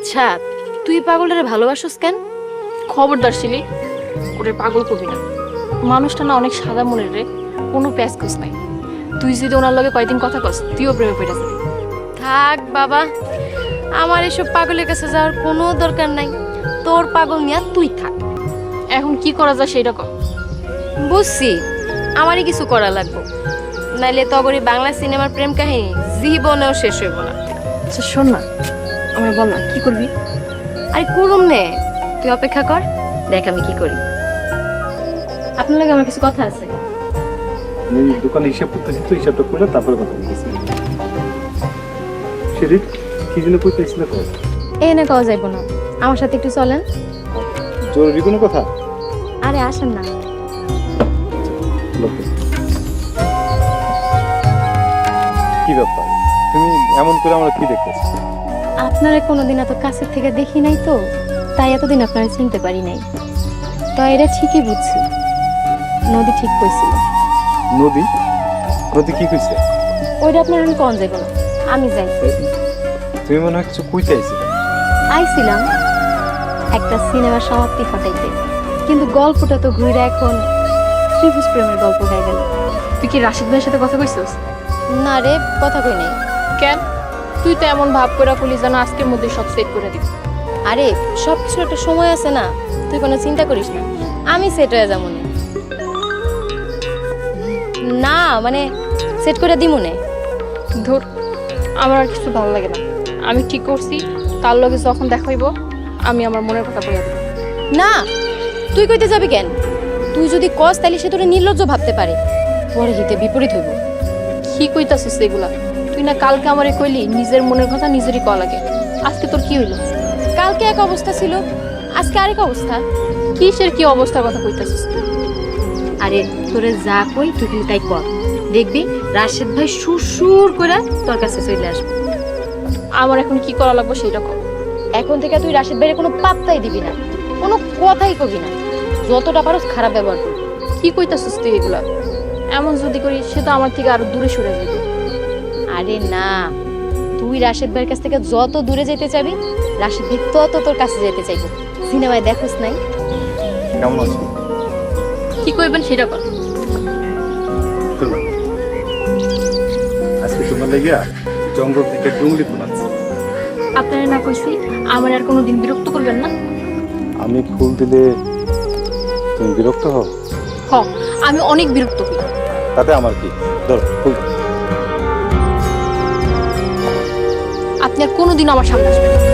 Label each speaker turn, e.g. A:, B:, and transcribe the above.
A: আচ্ছা তুই পাগলটারে ভালোবাসোস কেন?
B: খবরদার শিলি, ওরে পাগল করবি না। মানুষটা না অনেক সাদা মনের রে, কোনো প্যাচ খোঁজ নাই। তুই যদি ওনার লগে কয়দিন কথা কস, তুইও প্রেমে পড়ে যাবি।
A: থাক বাবা, আমার এসব পাগলের কাছে যাওয়ার কোনো দরকার নাই। তোর পাগল নিয়ে তুই থাক।
B: এখন কি করা যায় সেটা কর।
A: বুঝছি, আমারই কিছু করা লাগবে, নাইলে তগরি বাংলা সিনেমার প্রেম কাহিনী জীবনেও শেষ হইব না।
B: আচ্ছা শোন না, আমার বল না কি করবি।
A: আরে করুম নে, তুই অপেক্ষা কর, দেখ আমি কি করি। আপনার লাগে আমার কিছু কথা আছে।
C: আমি দোকানে হিসাব করতেছি, তো হিসাবটা করে তারপরে কথা বলতেছি। সেদিন কি জন্য কইতেছিল তো?
A: এনে কওয়া যাইব না, আমার সাথে একটু চলেন।
C: জরুরি কোনো কথা?
A: আরে আসেন না।
C: কি ব্যাপার, তুমি এমন করে আমরা কি দেখতেছি?
A: আপনারা কোনোদিন এত কাছের থেকে দেখি নাই তো, তাই এতদিন আপনারা চিনতে পারি নাই। তো এটা ঠিকই বুঝছি, নদী ঠিক কইছিল।
C: নদী? নদী কি কইছে?
A: ওইটা আপনার আমি কোন যাইব না, আমি যাই।
C: তুমি মনে হয় কিছু কইতে আইছিলে।
A: আইছিলাম একটা সিনেমার সমাপ্তি ঘটাইতে, কিন্তু গল্পটা তো ঘুরে এখন ত্রিভুজ প্রেমের গল্প হয়ে গেল।
B: তুই কি রাশিদ ভাইয়ের সাথে কথা কইছিস?
A: না রে, কথা কই নাই।
B: কেন? তুই তো এমন ভাব করে কইলি যেন আজকের মধ্যে সব সেট করে দিবি।
A: আরে সব কিছুর একটা সময় আছে না, তুই কোনো চিন্তা করিস না, আমি সেট হয়ে যাবো না। না মানে সেট করে দিমু নে।
B: ধর, আমার আর কিছু ভালো লাগে না। আমি ঠিক করছি, তার লগে যখন দেখা হইব আমি আমার মনের কথা বলে দেব।
A: না, তুই কইতে যাবি কেন? তুই যদি কস তাইলে সে তোরে নির্লজ্জ ভাবতে পারে, পরে হিতে বিপরীত হইব।
B: কি কইতাছিস এগুলা? তুই না কালকে আমারে কইলি নিজের মনের কথা নিজেরই কওয়া লাগে। আজকে তোর কি হইলো?
A: কালকে এক অবস্থা ছিল, আজকে আরেক অবস্থা।
B: কিসের কি অবস্থার কথা কইতাছিস?
A: আরে তোরে যা কই তুই কিন্তু তাই কর, দেখবি রাশেদ ভাই সুর করে তোর কাছে চলে আসবে।
B: আমার এখন কি করা লাগবে সেটা কর।
A: এখন থেকে তুই রাশেদ ভাইয়ের কোনো পাত্তাই দিবি না, কোনো কথাই কবি না, যতটা পারোস খারাপ ব্যবহার করবি।
B: কি কইতাছিস তুই এগুলা? এমন যদি করি সে তো আমার থেকে আরো দূরে সরে যাবে।
A: আরে না, তুই রাশেদ ভাইয়ের কাছ থেকে যত দূরে যেতে চাবি, রাশেদ ভাই তত তোর কাছে যেতে চাইবো। সিনেমায় দেখোস নাই?
C: কেমন আছো?
B: কি কইবেন সেটা কর।
C: আজকে তোমার লাগিয়া জঙ্গল থেকে ডুংলি তোলাচ্ছি।
B: আপনারা না কইছি আমার আর কোনোদিন বিরক্ত করবেন না।
C: আমি ফুল দিলে তুমি বিরক্ত হও?
B: হ, আমি অনেক বিরক্ত হই।
C: তাতে আমার কি? ধরো ফুল দাও।
B: আপনি আর কোনোদিন আমার সামনে আসবেন না।